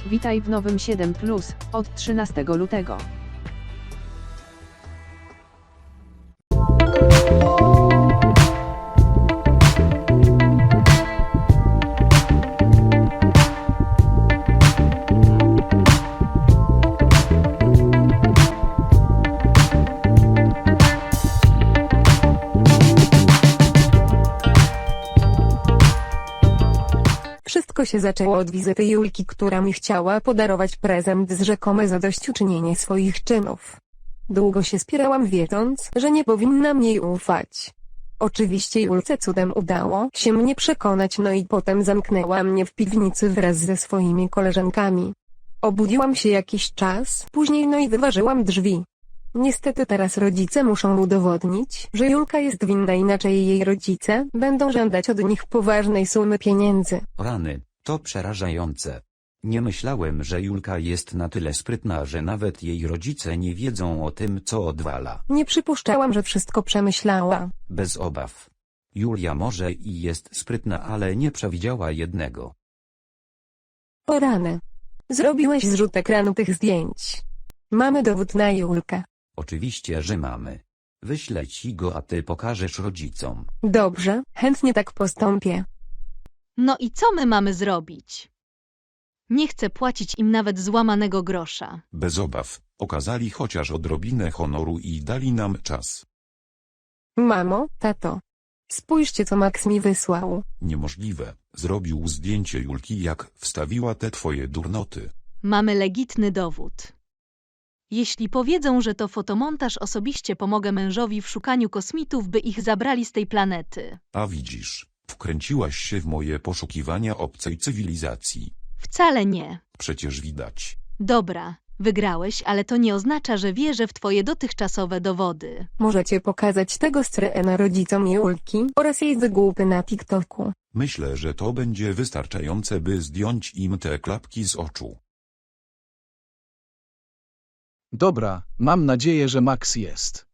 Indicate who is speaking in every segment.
Speaker 1: Witaj w nowym 7+, od 13 lutego.
Speaker 2: Wszystko się zaczęło od wizyty Julki, która mi chciała podarować prezent z rzekome zadośćuczynienie swoich czynów. Długo się spierałam, wiedząc, że nie powinnam jej ufać. Oczywiście Julce cudem udało się mnie przekonać, no i potem zamknęła mnie w piwnicy wraz ze swoimi koleżankami. Obudziłam się jakiś czas później, no i wyważyłam drzwi. Niestety teraz rodzice muszą udowodnić, że Julka jest winna, inaczej jej rodzice będą żądać od nich poważnej sumy pieniędzy.
Speaker 3: Rany, to przerażające. Nie myślałem, że Julka jest na tyle sprytna, że nawet jej rodzice nie wiedzą o tym, co odwala.
Speaker 2: Nie przypuszczałam, że wszystko przemyślała.
Speaker 3: Bez obaw. Julia może i jest sprytna, ale nie przewidziała jednego.
Speaker 2: O rany. Zrobiłeś zrzut ekranu tych zdjęć. Mamy dowód na Julkę.
Speaker 3: Oczywiście, że mamy. Wyślę ci go, a ty pokażesz rodzicom.
Speaker 2: Dobrze, chętnie tak postąpię.
Speaker 4: No i co my mamy zrobić? Nie chcę płacić im nawet złamanego grosza.
Speaker 5: Bez obaw, okazali chociaż odrobinę honoru i dali nam czas.
Speaker 2: Mamo, tato. Spójrzcie, co Max mi wysłał.
Speaker 5: Niemożliwe, zrobił zdjęcie Julki, jak wstawiła te twoje durnoty.
Speaker 4: Mamy legitny dowód. Jeśli powiedzą, że to fotomontaż, osobiście pomogę mężowi w szukaniu kosmitów, by ich zabrali z tej planety.
Speaker 5: A widzisz, wkręciłaś się w moje poszukiwania obcej cywilizacji.
Speaker 4: Wcale nie.
Speaker 5: Przecież widać.
Speaker 4: Dobra, wygrałeś, ale to nie oznacza, że wierzę w twoje dotychczasowe dowody.
Speaker 2: Możecie pokazać tego screena rodzicom Julki oraz jej wygłupy na TikToku.
Speaker 5: Myślę, że to będzie wystarczające, by zdjąć im te klapki z oczu.
Speaker 6: Dobra, mam nadzieję, że Max jest.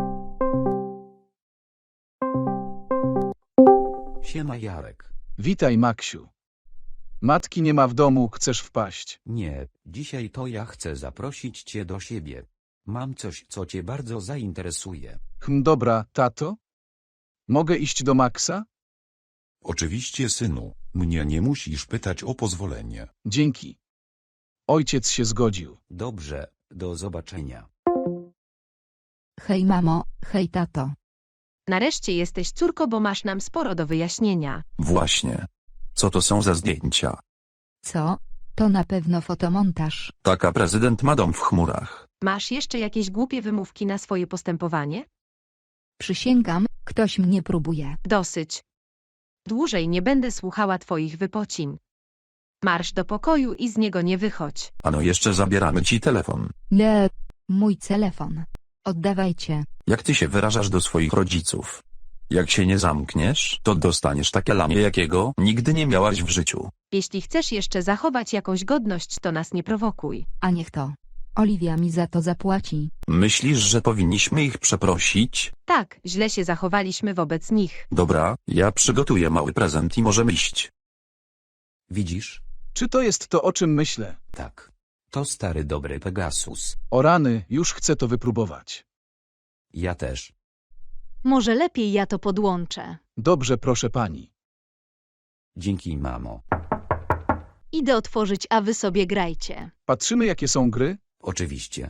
Speaker 3: Siema Jarek.
Speaker 6: Witaj, Maksiu. Matki nie ma w domu, chcesz wpaść?
Speaker 3: Nie, dzisiaj to ja chcę zaprosić cię do siebie. Mam coś, co cię bardzo zainteresuje.
Speaker 6: Dobra, tato? Mogę iść do Maxa?
Speaker 5: Oczywiście, synu, mnie nie musisz pytać o pozwolenie.
Speaker 6: Dzięki. Ojciec się zgodził.
Speaker 3: Dobrze, do zobaczenia.
Speaker 7: Hej mamo, hej tato.
Speaker 8: Nareszcie jesteś, córko, bo masz nam sporo do wyjaśnienia.
Speaker 9: Właśnie. Co to są za zdjęcia?
Speaker 7: Co? To na pewno fotomontaż.
Speaker 9: Taka prezydent ma dom w chmurach.
Speaker 8: Masz jeszcze jakieś głupie wymówki na swoje postępowanie?
Speaker 7: Przysięgam, ktoś mnie próbuje.
Speaker 8: Dosyć. Dłużej nie będę słuchała twoich wypocin. Marsz do pokoju i z niego nie wychodź.
Speaker 9: Ano jeszcze zabieramy ci telefon.
Speaker 7: Nie, mój telefon. Oddawajcie.
Speaker 9: Jak ty się wyrażasz do swoich rodziców? Jak się nie zamkniesz, to dostaniesz takie lanie, jakiego nigdy nie miałaś w życiu.
Speaker 8: Jeśli chcesz jeszcze zachować jakąś godność, to nas nie prowokuj.
Speaker 7: A niech to. Oliwia mi za to zapłaci.
Speaker 9: Myślisz, że powinniśmy ich przeprosić?
Speaker 8: Tak, źle się zachowaliśmy wobec nich.
Speaker 9: Dobra, ja przygotuję mały prezent i możemy iść.
Speaker 3: Widzisz?
Speaker 6: Czy to jest to, o czym myślę?
Speaker 3: Tak. To stary dobry Pegasus.
Speaker 6: O rany, już chcę to wypróbować.
Speaker 3: Ja też.
Speaker 4: Może lepiej ja to podłączę.
Speaker 6: Dobrze, proszę pani.
Speaker 3: Dzięki, mamo.
Speaker 4: Idę otworzyć, a wy sobie grajcie.
Speaker 6: Patrzymy, jakie są gry?
Speaker 3: Oczywiście.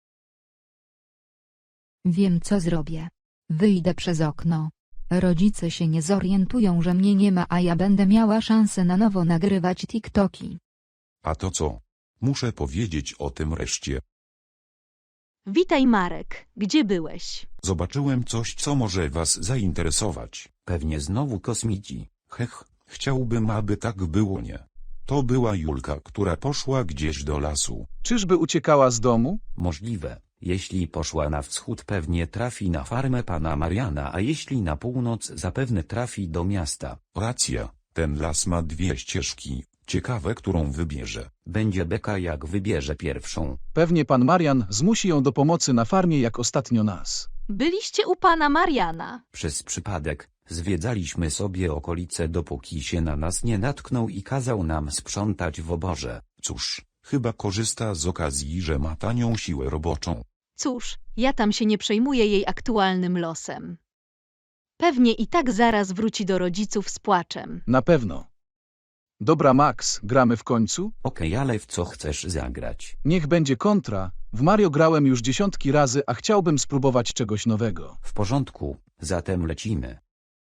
Speaker 7: Wiem, co zrobię. Wyjdę przez okno. Rodzice się nie zorientują, że mnie nie ma, a ja będę miała szansę na nowo nagrywać TikToki.
Speaker 5: A to co? Muszę powiedzieć o tym reszcie.
Speaker 4: Witaj Marek, gdzie byłeś?
Speaker 5: Zobaczyłem coś, co może was zainteresować.
Speaker 3: Pewnie znowu kosmici.
Speaker 5: Hech, chciałbym, aby tak było, nie. To była Julka, która poszła gdzieś do lasu.
Speaker 6: Czyżby uciekała z domu?
Speaker 3: Możliwe. Jeśli poszła na wschód, pewnie trafi na farmę pana Mariana, a jeśli na północ, zapewne trafi do miasta.
Speaker 5: Racja, ten las ma dwie ścieżki. Ciekawe, którą wybierze.
Speaker 3: Będzie beka, jak wybierze pierwszą.
Speaker 6: Pewnie pan Marian zmusi ją do pomocy na farmie, jak ostatnio nas.
Speaker 4: Byliście u pana Mariana.
Speaker 3: Przez przypadek zwiedzaliśmy sobie okolice, dopóki się na nas nie natknął i kazał nam sprzątać w oborze.
Speaker 5: Cóż, Chyba korzysta z okazji, że ma tanią siłę roboczą.
Speaker 4: Cóż, ja tam się nie przejmuję jej aktualnym losem. Pewnie i tak zaraz wróci do rodziców z płaczem.
Speaker 6: Na pewno. Dobra, Max, gramy w końcu?
Speaker 3: Okej, ale w co chcesz zagrać?
Speaker 6: Niech będzie kontra. W Mario grałem już dziesiątki razy, a chciałbym spróbować czegoś nowego.
Speaker 3: W porządku, zatem lecimy.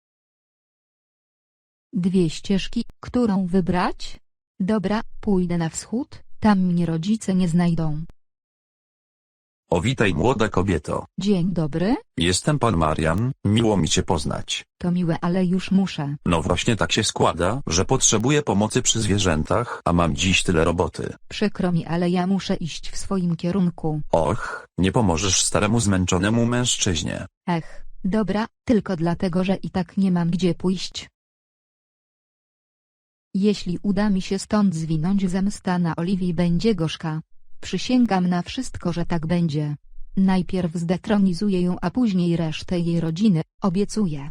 Speaker 7: 2 ścieżki, którą wybrać? Dobra, pójdę na wschód, tam mnie rodzice nie znajdą.
Speaker 9: O, witaj młoda kobieto.
Speaker 7: Dzień dobry,
Speaker 9: Jestem pan Marian, miło mi cię poznać.
Speaker 7: to miłe, ale już muszę.
Speaker 9: No właśnie tak się składa, że potrzebuję pomocy przy zwierzętach, a mam dziś tyle roboty.
Speaker 7: Przykro mi, ale ja muszę iść w swoim kierunku.
Speaker 9: Och, nie pomożesz staremu zmęczonemu mężczyźnie.
Speaker 7: Ech, dobra, tylko dlatego, że i tak nie mam gdzie pójść. Jeśli uda mi się stąd zwinąć, zemsta na Oliwii będzie gorzka. Przysięgam na wszystko, że tak będzie. Najpierw zdetronizuję ją, a później resztę jej rodziny, obiecuję.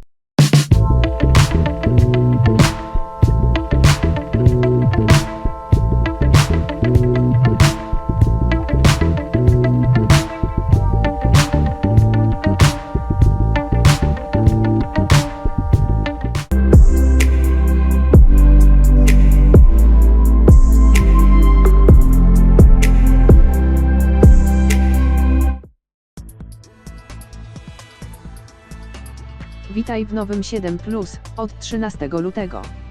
Speaker 1: Witaj w nowym 7+, od 13 lutego.